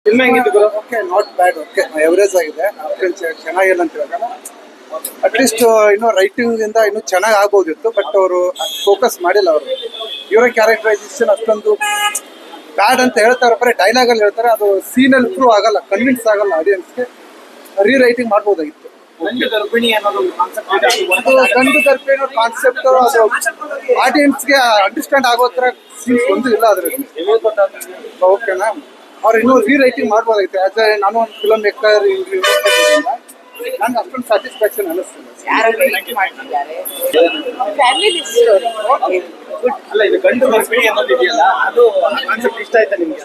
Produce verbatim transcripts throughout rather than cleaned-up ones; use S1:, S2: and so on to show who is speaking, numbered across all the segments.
S1: Film ಹೆಂಗಿತ್ತು ಗುರು?
S2: Okay, not bad. Okay, average ಆಗಿದೆ. ಚೆನ್ನಾಗಿಲ್ಲ ಅಂತ ಹೇಳೋಣ. ಅಟ್ಲೀಸ್ಟ್ ಇನ್ನೂ ರೈಟಿಂಗ್ ಇಂದ ಇನ್ನೂ ಚೆನ್ನಾಗಿ ಆಗ್ಬೋದಿತ್ತು, ಬಟ್ ಅವರು ಫೋಕಸ್ ಮಾಡಿಲ್ಲ. ಅವರು ಇವರ ಕ್ಯಾರೆಕ್ಟರೈಸೇಷನ್ ಅಷ್ಟೊಂದು ಬ್ಯಾಡ್ ಅಂತ ಹೇಳ್ತಾರೆ, ಬರೀ ಡೈಲಾಗ್ ಅಲ್ಲಿ ಹೇಳ್ತಾರೆ. ಅದು ಸೀನ್ ಅಲ್ಲಿ ಪ್ರೂವ್ ಆಗಲ್ಲ, ಕನ್ವಿನ್ಸ್ ಆಗಲ್ಲ ಆಡಿಯನ್ಸ್ಗೆ. ರೀ ರೈಟಿಂಗ್ ಮಾಡ್ಬೋದಾಗಿತ್ತು.
S1: ಗಂಡು ಗರ್ಭಿಣಿ ಅನ್ನೋದು ಕಾನ್ಸೆಪ್ಟ್ ಇದೆ.
S2: ಅದು ಗಂಡು ಗರ್ಭಿಣಿ ಕಾನ್ಸೆಪ್ಟ್ ಅದು ಆಡಿಯನ್ಸ್ಗೆ ಅಂಡರ್ಸ್ಟ್ಯಾಂಡ್ ಆಗೋ ಥರ ಸೀನ್ಸ್ ಒಂದು ಇಲ್ಲ ಅದರಲ್ಲಿ. ಓಕೆನಾ, ಅವ್ರು ಇನ್ನೂ ರೀ ರೈಟಿಂಗ್ ಮಾಡ್ಬೋದಾಗಿತ್ತು. ಆಸ್ ಎ ನಾನು ಒಂದು ಫಿಲಮ್ ಮೇಕರ್ ನಂಗೆ ಅಷ್ಟೊಂದು ಸ್ಯಾಟಿಸ್ಫ್ಯಾಕ್ಷನ್ ಅನ್ನಿಸ್ತಿಲ್ಲ.
S1: ಅಲ್ಲ, ಇದು ಗಂಡು ಗರ್ಭಿಣಿ ಅನ್ನೋದು ಇದೆಯಲ್ಲ, ಅದು ಕಾನ್ಸೆಪ್ಟ್ ಇಷ್ಟ ಆಯ್ತಾ ನಿಮ್ಗೆ?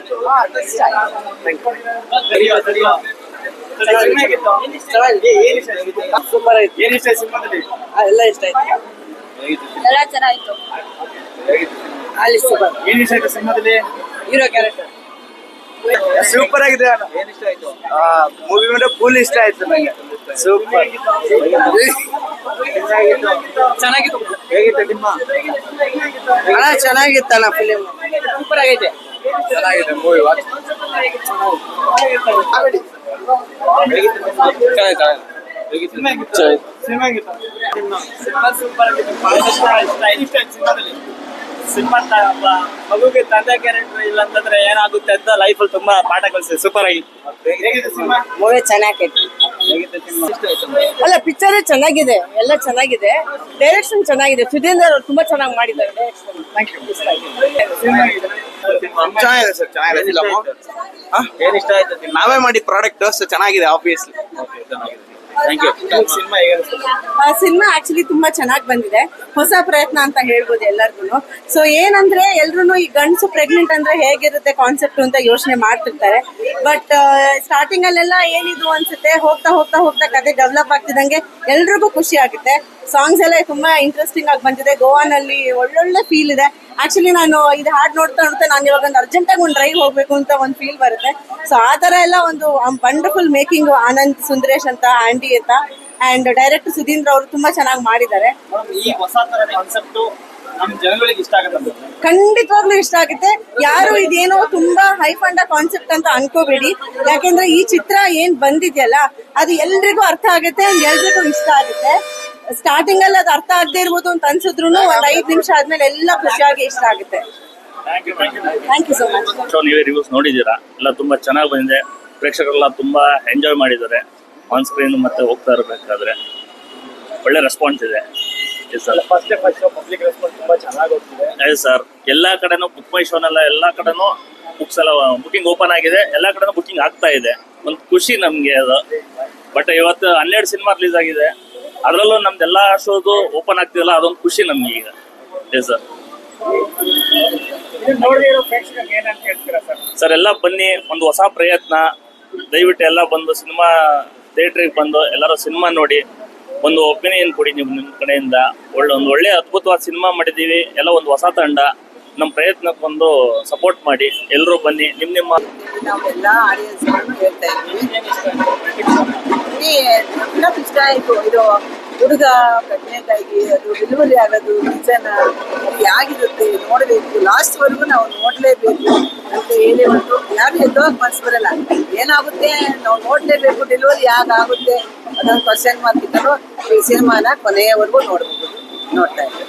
S3: ಸೂಪರ್ ಆಯ್ತು.
S1: ಏನ್ ಇಷ್ಟ ಆಯ್ತು ಸಿನಿಮಾದಲ್ಲಿ?
S3: ಎಲ್ಲ ಇಷ್ಟ ಆಯ್ತು, ಎಲ್ಲ ಚೆನ್ನಾಗಿತ್ತು. ಅಲ್ಲಿ ಸೂಪರ್.
S1: ಏನ್ ಇಷ್ಟ ಆಯ್ತು ಸಿನಿಮಾದಲ್ಲಿ?
S3: ಹೀರೋ ಕ್ಯಾರೆಕ್ಟರ್
S1: ಸೂಪರ್ ಆಗಿದೆ. ಏನ್ ಇಷ್ಟ ಆಯ್ತು? ಮೂವಿ ಮೇಲೆ ಫುಲ್ ಇಷ್ಟ ಆಯ್ತು ನನಗೆ. ಸೂಪರ್
S3: ಚೆನ್ನಾಗಿತ್ತು.
S1: ಹೇಗಿತ್ತು ನಿಮ್ಮ?
S3: ಅಣ್ಣ ಚೆನ್ನಾಗಿತ್ತಣ್ಣ ಫಿಲಿಮ್, ಸೂಪರ್ ಆಗೈತೆ.
S1: ಚೆನ್ನಾಗಿದೆ ಮೂವಿ. ವಾಚ್ ಸಿನಿಮಾ ಸೂಪರ್ ಆಗಿದೆ. ಸಿನಿಮಾ ಮಗುಗೆ ತಂದೆ ಕ್ಯಾರೆಕ್ಟರ್ ಇಲ್ಲ ಅಂತಂದ್ರೆ ಏನಾಗುತ್ತೆ ಅಂತ ಲೈಫಲ್ಲಿ ತುಂಬಾ ಪಾಠ ಕಲಿಸಿದೆ. ಸೂಪರ್ ಆಗಿ. ಹೇಗಿದೆ ಸಿನಿಮಾ?
S3: ಮೂವಿ ಚೆನ್ನಾಗೈತೆ.
S1: ಹೇಗಿದೆ ಸಿನಿಮಾ?
S3: ಅಲ್ಲ, ಪಿಕ್ಚರ್ ಚೆನ್ನಾಗಿದೆ, ಎಲ್ಲ ಚೆನ್ನಾಗಿದೆ. ಡೈರೆಕ್ಷನ್ ಚೆನ್ನಾಗಿದೆ. ಸುಧೀಂದ್ರ ಅವರು ತುಂಬಾ ಚೆನ್ನಾಗಿ ಮಾಡಿದ್ದಾರೆ ಡೈರೆಕ್ಷನ್.
S1: Thank you. ಚೆನ್ನಾಗಿದೆ ಸರ್, ಚೆನ್ನಾಗಿದೆ ಫಿಲಮ್. ಏನ್ ಇಷ್ಟ ಆಯ್ತು? ನಾವೇ ಮಾಡಿ ಪ್ರಾಡಕ್ಟ್ ಚೆನ್ನಾಗಿದೆ ಆಬ್ವಿಯಸ್ಲಿ. Thank you. ಸಿನಿಮಾ ಹೇಗೆ ಅನಿಸ್ತು?
S3: ಸಿನಿಮಾ ಆಕ್ಚುಲಿ ತುಂಬಾ ಚೆನ್ನಾಗಿ ಬಂದಿದೆ. ಹೊಸ ಪ್ರಯತ್ನ ಅಂತ ಹೇಳ್ಬೋದು ಎಲ್ಲರಿಗೂ. ಸೊ ಏನಂದ್ರೆ ಎಲ್ರು ಈ ಗಂಡಸು ಪ್ರೆಗ್ನೆಂಟ್ ಅಂದ್ರೆ ಹೇಗಿರುತ್ತೆ ಕಾನ್ಸೆಪ್ಟ್ ಅಂತ ಯೋಚನೆ ಮಾಡ್ತಿರ್ತಾರೆ. ಬಟ್ ಸ್ಟಾರ್ಟಿಂಗ್ ಅಲ್ಲೆಲ್ಲ ಏನಿದು ಅನ್ಸುತ್ತೆ, ಹೋಗ್ತಾ ಹೋಗ್ತಾ ಹೋಗ್ತಾ ಕತೆ ಡೆವಲಪ್ ಆಗ್ತಿದಂಗೆ ಎಲ್ರಿಗೂ ಖುಷಿ ಆಗುತ್ತೆ. ಸಾಂಗ್ಸ್ ಎಲ್ಲ ತುಂಬಾ ಇಂಟ್ರೆಸ್ಟಿಂಗ್ ಆಗಿ ಬಂದಿದೆ. ಗೋವಾನಲ್ಲಿ ಒಳ್ಳೊಳ್ಳೆ ಫೀಲ್ ಇದೆ. ಆಕ್ಚುಲಿ ನಾನು ಇದು ಹಾಡ್ ನೋಡ್ತಾ ನೋಡ್ತಾ ನಾನು ಇವಾಗ ಒಂದು ಅರ್ಜೆಂಟ್ ಆಗಿ ಒಂದು ಡ್ರೈವ್ ಹೋಗ್ಬೇಕು ಅಂತ ಒಂದು ಫೀಲ್ ಬರುತ್ತೆ. ಸೊ ಆ ತರ ಎಲ್ಲ ಒಂದು ವಂಡರ್ಫುಲ್ ಮೇಕಿಂಗ್. ಆನಂದ್ ಸುಂದರೇಶ್ ಅಂತ, ಆಂಡಿ ಅಂತ, ಅಂಡ್ ಡೈರೆಕ್ಟರ್ ಸುಧೀಂದ್ರ ಅವರು ತುಂಬಾ ಚೆನ್ನಾಗಿ ಮಾಡಿದ್ದಾರೆ.
S1: ಈ ಹೊಸ ತರ ಕಾನ್ಸೆಪ್ಟ್ ನಮ್ ಜನಗಳಿಗೆ ಇಷ್ಟ ಆಗುತ್ತೆ.
S3: ಖಂಡಿತವಾಗ್ಲೂ ಇಷ್ಟ ಆಗುತ್ತೆ. ಯಾರು ಇದೇನೋ ತುಂಬಾ ಹೈ ಫಂಡ ಕಾನ್ಸೆಪ್ಟ್ ಅಂತ ಅನ್ಕೋಬೇಡಿ. ಯಾಕೆಂದ್ರೆ ಈ ಚಿತ್ರ ಏನ್ ಬಂದಿದೆಯಲ್ಲ ಅದು ಎಲ್ರಿಗೂ ಅರ್ಥ ಆಗುತ್ತೆ, ಎಲ್ರಿಗೂ ಇಷ್ಟ ಆಗುತ್ತೆ. ಸ್ಟಾರ್ಟಿಂಗ್ ಅಲ್ಲಿ ಅದು ಅರ್ಥ ಆಗದೆ ಇರ್ಬೋದು ಅಂತ ಅನ್ಸಿದ್ರು ಒಂದ್ ಐದ್ ನಿಮಿಷ ಆದ್ಮೇಲೆ ಎಲ್ಲ ಖುಷಿಯಾಗಿ ಇಷ್ಟ ಆಗುತ್ತೆ. Thank you so much.
S4: ನೀವೇ ರಿವ್ಯೂಸ್ ನೋಡಿದ್ದೀರಾ, ಎಲ್ಲ ತುಂಬಾ ಚೆನ್ನಾಗಿ ಬಂದಿದೆ. ಪ್ರೇಕ್ಷಕರೆಲ್ಲ ತುಂಬಾ ಎಂಜಾಯ್ ಮಾಡಿದ್ದಾರೆ ಆನ್ ಸ್ಕ್ರೀನ್. ಮತ್ತೆ ಹೋಗ್ತಾ ಇರಬೇಕಾದ್ರೆ ಒಳ್ಳೆ ರೆಸ್ಪಾನ್ಸ್ ಇದೆ.
S1: First day first show public response ತುಂಬಾ ಚೆನ್ನಾಗಿ ಹೋಗ್ತಿದೆ.
S4: ಅದೇ ಸರ್, ಎಲ್ಲಾ ಕಡೆನೂ ಬುಕ್ ಮೈ ಶೋನೆಲ್ಲ ಎಲ್ಲಾ ಕಡೆನೂ ಬುಕ್ಸ್ ಎಲ್ಲ ಬುಕಿಂಗ್ ಓಪನ್ ಆಗಿದೆ. ಎಲ್ಲಾ ಕಡೆನೂ ಬುಕಿಂಗ್ ಆಗ್ತಾ ಇದೆ. ಒಂದು ಖುಷಿ ನಮ್ಗೆ ಅದು. ಬಟ್ ಇವತ್ತು ಹನ್ನೆರಡು ಸಿನಿಮಾ ರಿಲೀಸ್ ಆಗಿದೆ, ಅದರಲ್ಲೂ ನಮ್ದೆಲ್ಲಾ ಶೋದು ಓಪನ್ ಆಗ್ತಿದಲ್ಲ, ಅದೊಂದು ಖುಷಿ ನಮ್ಗೆ ಈಗ. Yes sir. ಸರ್ ಎಲ್ಲ ಬನ್ನಿ, ಒಂದು ಹೊಸ ಪ್ರಯತ್ನ. ದಯವಿಟ್ಟು ಎಲ್ಲ ಬಂದು ಸಿನಿಮಾ ಥಿಯೇಟ್ರಿಗೆ ಬಂದು ಎಲ್ಲರೂ ಸಿನಿಮಾ ನೋಡಿ ಒಂದು ಒಪಿನಿಯನ್ ಕೊಡಿ ನೀವು ನಿಮ್ಮ ಕಡೆಯಿಂದ. ಒಳ್ಳೆ ಒಂದು ಒಳ್ಳೆ ಅದ್ಭುತವಾದ ಸಿನಿಮಾ ಮಾಡಿದ್ದೀವಿ. ಎಲ್ಲ ಒಂದು ಹೊಸ ತಂಡ. ನಮ್ಮ ಪ್ರಯತ್ನಕ್ಕೊಂದು ಸಪೋರ್ಟ್ ಮಾಡಿ, ಎಲ್ಲರೂ ಬನ್ನಿ. ನಿಮ್ಮ ನಿಮ್ಮ
S3: ನಾವೆಲ್ಲ ಆಡಿಯನ್ಸ್ ಹೇಳ್ತಾ ಇದ್ವಿ, ಇಷ್ಟ ಆಯ್ತು. ಇದು ಹುಡುಗ ಪ್ರೆಗ್ನೆಂಟ್ ಆಗಿ ಅದು ಡೆಲಿವರಿ ಆಗೋದು ನಿಜನ ಹೇಗಿರುತ್ತೆ ನೋಡಬೇಕು, ಲಾಸ್ಟ್ ವರೆಗೂ ನಾವು ನೋಡ್ಲೇಬೇಕು ಅಂತ ಹೇಳಿ ಒಂದು ಯಾರು ಎದ್ದೋಗಿ ಮನ್ಸು ಬರಲ್ಲ. ಏನಾಗುತ್ತೆ ನಾವು ನೋಡ್ಲೇಬೇಕು, ಡೆಲಿವರಿ ಯಾಕಾಗುತ್ತೆ ಅದೊಂದು ಕ್ವಶನ್ ಮಾರ್ಕ್ ಇದ್ದರೂ ಈ ಸಿನಿಮಾನ ಕೊನೆಯವರೆಗೂ ನೋಡ್ಬೋದು. ನೋಡ್ತಾ ಇದ್ದಾರೆ.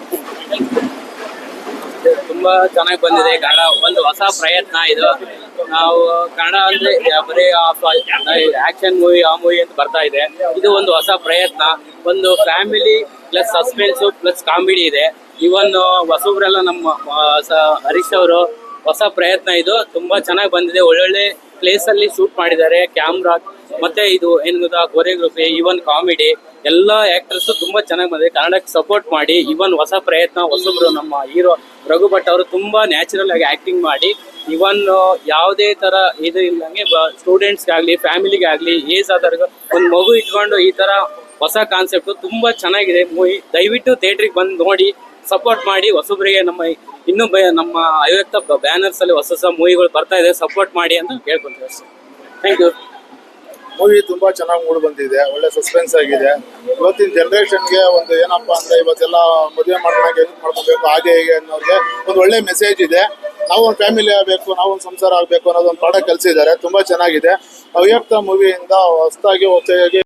S5: ತುಂಬಾ ಚೆನ್ನಾಗಿ ಬಂದಿದೆ ಕನ್ನಡ. ಒಂದು ಹೊಸ ಪ್ರಯತ್ನ ಇದು. ನಾವು ಕನ್ನಡ ಅಂದ್ರೆ ಬರೀ ಆಕ್ಷನ್ ಮೂವಿ ಆ ಮೂವಿ ಅಂತ ಬರ್ತಾ ಇದೆ. ಇದು ಒಂದು ಹೊಸ ಪ್ರಯತ್ನ. ಒಂದು family plus suspense plus comedy ಇದೆ. ಇವನ್ ಹೊಸಬ್ರೆಲ್ಲ ನಮ್ಮ ಹರೀಶ್ ಅವರು ಹೊಸ ಪ್ರಯತ್ನ ಇದು. ತುಂಬಾ ಚೆನ್ನಾಗಿ ಬಂದಿದೆ. ಒಳ್ಳೊಳ್ಳೆ ಪ್ಲೇಸ್ ಅಲ್ಲಿ ಶೂಟ್ ಮಾಡಿದ್ದಾರೆ. ಕ್ಯಾಮ್ರಾ ಮತ್ತೆ ಇದು ಏನ್ ಗೊತ್ತಾ, ಕೊರಿಯೋಗ್ರಫಿ, ಇವನ್ ಕಾಮಿಡಿ ಎಲ್ಲ ಆಕ್ಟರ್ಸ್ ತುಂಬಾ ಚೆನ್ನಾಗಿ ಬಂದಿದೆ. ಕನ್ನಡಕ್ಕೆ ಸಪೋರ್ಟ್ ಮಾಡಿ. ಇವನ್ ಹೊಸ ಪ್ರಯತ್ನ. ಹೊಸಬ್ರು ನಮ್ಮ ಹೀರೋ ರಘು ಭಟ್ ಅವರು ತುಂಬಾ ನ್ಯಾಚುರಲ್ ಆಗಿ ಆಕ್ಟಿಂಗ್ ಮಾಡಿ, ಇವನ್ ಯಾವುದೇ ತರ ಇದು ಇಲ್ಲಂಗೆ ಸ್ಟೂಡೆಂಟ್ಸ್ಗೆ ಆಗ್ಲಿ ಫ್ಯಾಮಿಲಿಗೆ ಆಗ್ಲಿ ಏಜ್ ಆದವ್ರಿಗೆ ಒಂದು ಮಗು ಇಟ್ಕೊಂಡು ಈ ತರ ಹೊಸ ಕಾನ್ಸೆಪ್ಟ್ ತುಂಬಾ ಚೆನ್ನಾಗಿದೆ ಮೂವಿ. ದಯವಿಟ್ಟು ಥಿಯೇಟ್ರಿಗೆ ಬಂದು ನೋಡಿ ಸಪೋರ್ಟ್ ಮಾಡಿ. ಹೊಸಬ್ರಿಗೆ ನಮ್ಮ ಇನ್ನೂ ನಮ್ಮ ಐವತ್ತು ಬ್ಯಾನರ್ಸ್ ಅಲ್ಲಿ ಹೊಸ ಹೊಸ ಮೂವಿಗಳು ಬರ್ತಾ ಇದೆ, ಸಪೋರ್ಟ್ ಮಾಡಿ ಅಂತ ಕೇಳ್ಕೊಂತೀವಿ. Thank you.
S6: ಮೂವಿ ತುಂಬಾ ಚೆನ್ನಾಗಿ ಮೂಡ್ ಬಂದಿದೆ. ಒಳ್ಳೆ ಸಸ್ಪೆನ್ಸ್ ಆಗಿದೆ. ಇವತ್ತಿನ ಜನರೇಷನ್ಗೆ ಒಂದು ಏನಪ್ಪಾ ಅಂದ್ರೆ ಇವತ್ತೆಲ್ಲ ಮದುವೆ ಮಾಡ್ಕೊಂಡಾಗ ಹೆಂಗ್ ಮಾಡ್ಕೋಬೇಕು ಹಾಗೆ ಹೀಗೆ ಅನ್ನೋರಿಗೆ ಒಂದು ಒಳ್ಳೆ ಮೆಸೇಜ್ ಇದೆ. ನಾವು ಒಂದು ಫ್ಯಾಮಿಲಿ ಆಗಬೇಕು, ನಾವು ಒಂದು ಸಂಸಾರ ಆಗಬೇಕು ಅನ್ನೋದೊಂದು ಪಾಠ ಕಲಿಸಿದ್ದಾರೆ. ತುಂಬಾ ಚೆನ್ನಾಗಿದೆ. ಅವ್ಯಕ್ತ ಮೂವಿಯಿಂದ ಹೊಸದಾಗಿ ಹೊಸದಾಗಿ